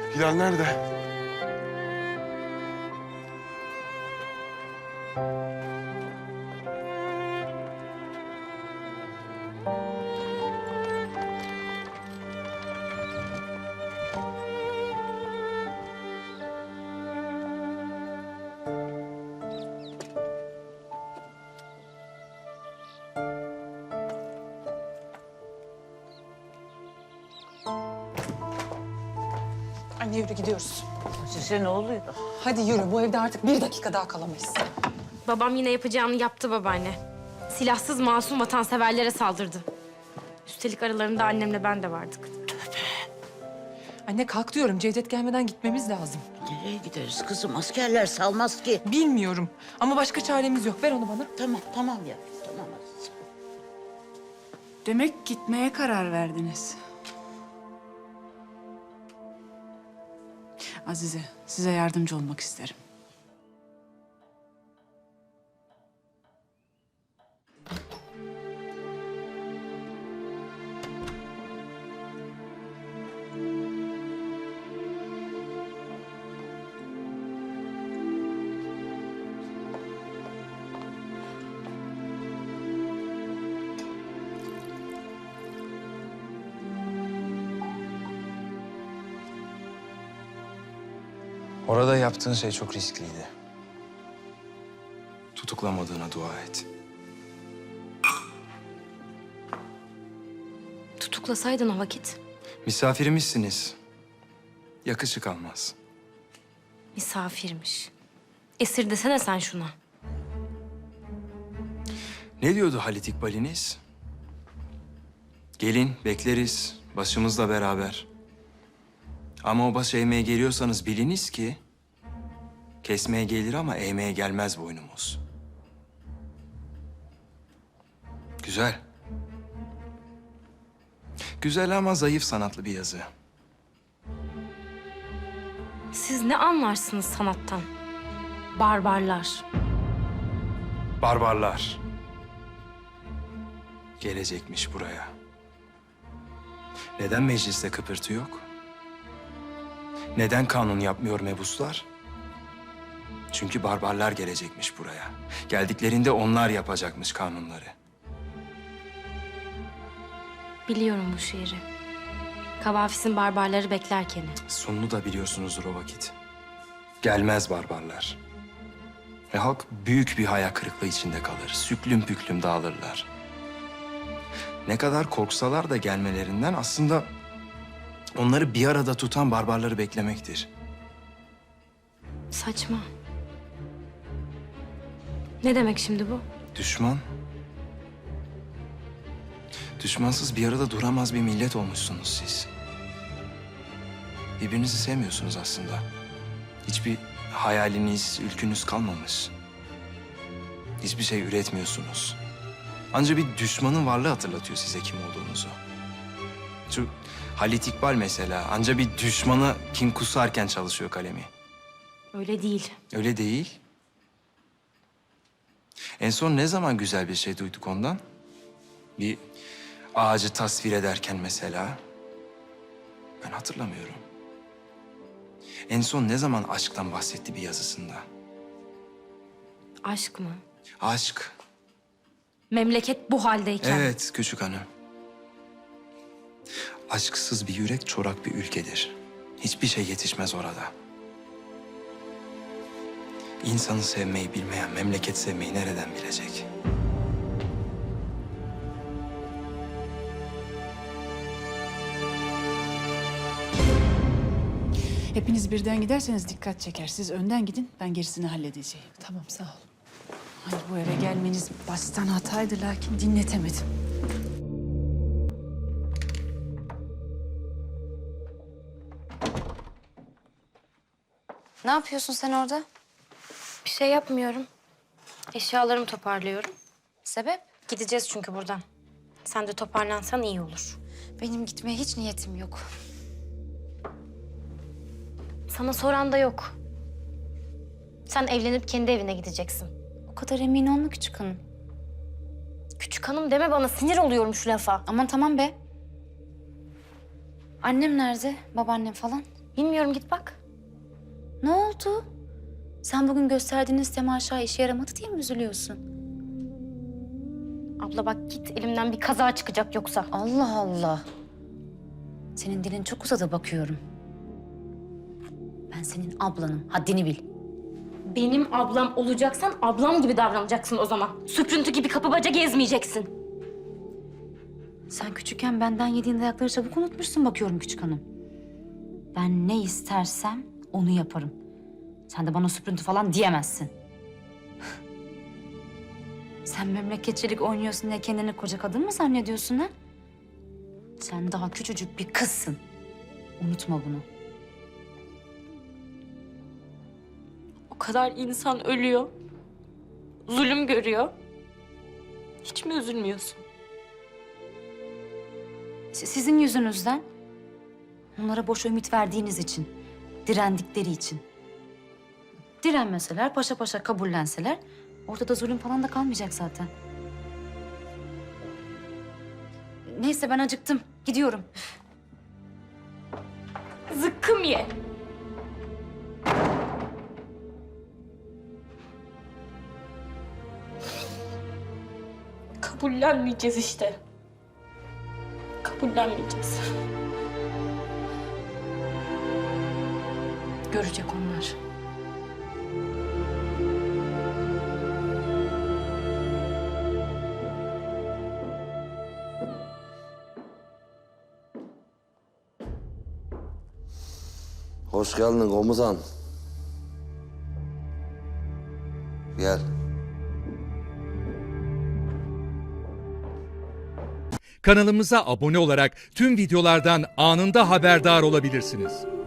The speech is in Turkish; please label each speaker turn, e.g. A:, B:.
A: Hilal nerede?
B: Anne yürü gidiyoruz.
C: Size ne oluyor?
B: Hadi yürü, bu evde artık bir dakika daha kalamayız.
D: Babam yine yapacağını yaptı babaanne. Silahsız masum vatanseverlere saldırdı. Üstelik aralarında annemle ben de vardık.
B: Anne kalk diyorum, Cevdet gelmeden gitmemiz lazım.
C: Nereye gideriz kızım? Askerler salmaz ki.
B: Bilmiyorum ama başka çaremiz yok. Ver onu bana.
C: Tamam ya. Tamam Aziz.
E: Demek gitmeye karar verdiniz. Azize, size yardımcı olmak isterim.
F: Orada yaptığın şey çok riskliydi. Tutuklamadığına dua et.
D: Tutuklasaydın o vakit.
F: Misafirimizsiniz. Yakışık almaz.
D: Misafirmiş. Esir desene sen şuna.
F: Ne diyordu Halit İkbal'iniz? Gelin, bekleriz. Başımızla beraber. Ama o baş eğmeye geliyorsanız biliniz ki... kesmeye gelir ama eğmeye gelmez boynumuz. Güzel. Güzel ama zayıf sanatlı bir yazı.
D: Siz ne anlarsınız sanattan? Barbarlar.
F: Barbarlar. Gelecekmiş buraya. Neden mecliste kıpırtı yok? Neden kanun yapmıyor mebuslar? Çünkü barbarlar gelecekmiş buraya. Geldiklerinde onlar yapacakmış kanunları.
D: Biliyorum bu şiiri. Kavafis'in barbarları beklerken.
F: Sonunu da biliyorsunuzdur o vakit. Gelmez barbarlar. Ve halk büyük bir hayal kırıklığı içinde kalır. Süklüm püklüm dağılırlar. Ne kadar korksalar da gelmelerinden aslında onları bir arada tutan barbarları beklemektir.
D: Saçma. Ne demek şimdi bu?
F: Düşman. Düşmansız bir arada duramaz bir millet olmuşsunuz siz. Birbirinizi sevmiyorsunuz aslında. Hiçbir hayaliniz, ülkünüz kalmamış. Hiçbir şey üretmiyorsunuz. Ancak bir düşmanın varlığı hatırlatıyor size kim olduğunuzu. Şu Halit İkbal mesela ancak bir düşmanı kin kusarken çalışıyor kalemi.
D: Öyle değil.
F: Öyle değil. En son ne zaman güzel bir şey duyduk ondan? Bir ağacı tasvir ederken mesela. Ben hatırlamıyorum. En son ne zaman aşktan bahsetti bir yazısında?
D: Aşk mı?
F: Aşk.
D: Memleket bu haldeyken.
F: Evet küçük hanım. Aşksız bir yürek çorak bir ülkedir. Hiçbir şey yetişmez orada. İnsanı sevmeyi bilmeyen memleket sevmeyi nereden bilecek?
E: Hepiniz birden giderseniz dikkat çeker. Siz önden gidin, ben gerisini halledeceğim.
B: Tamam, sağ ol.
E: Hayır, bu eve gelmeniz baştan hataydı lakin dinletemedim.
G: Ne yapıyorsun sen orada?
D: Bir şey yapmıyorum. Eşyalarımı toparlıyorum.
G: Sebep?
D: Gideceğiz çünkü buradan. Sen de toparlansan iyi olur.
G: Benim gitmeye hiç niyetim yok.
D: Sana soran da yok. Sen evlenip kendi evine gideceksin.
G: O kadar emin olma küçük hanım.
D: Küçük hanım deme bana, sinir oluyorum şu lafa.
G: Aman tamam be. Annem nerede? Babaannem falan?
D: Bilmiyorum, git bak.
G: Ne oldu? Sen bugün gösterdiğiniz temaşa işe yaramadı diye mi üzülüyorsun?
D: Abla bak git, elimden bir kaza çıkacak yoksa.
G: Allah Allah. Senin dilin çok uzadı bakıyorum. Ben senin ablanım. Haddini bil.
D: Benim ablam olacaksan ablam gibi davranacaksın o zaman. Süprüntü gibi kapı baca gezmeyeceksin.
G: Sen küçükken benden yediğin dayakları çabuk unutmuşsun bakıyorum küçük hanım. Ben ne istersem onu yaparım. Sen de bana süprüntü falan diyemezsin. Sen memleketçilik oynuyorsun diye kendini koca kadın mı zannediyorsun ha? Sen daha küçücük bir kızsın. Unutma bunu.
D: O kadar insan ölüyor. Zulüm görüyor. Hiç mi üzülmüyorsun?
G: Sizin yüzünüzden. Onlara boş ümit verdiğiniz için. Direndikleri için. Direnmeseler, paşa paşa kabullenseler... ortada zulüm falan da kalmayacak zaten. Neyse ben acıktım. Gidiyorum.
D: Zıkkım ye. Kabullenmeyeceğiz işte. Kabullenmeyeceğiz.
G: Görecek onlar.
A: Hoş geldin komutan. Gel.
H: Kanalımıza abone olarak tüm videolardan anında haberdar olabilirsiniz.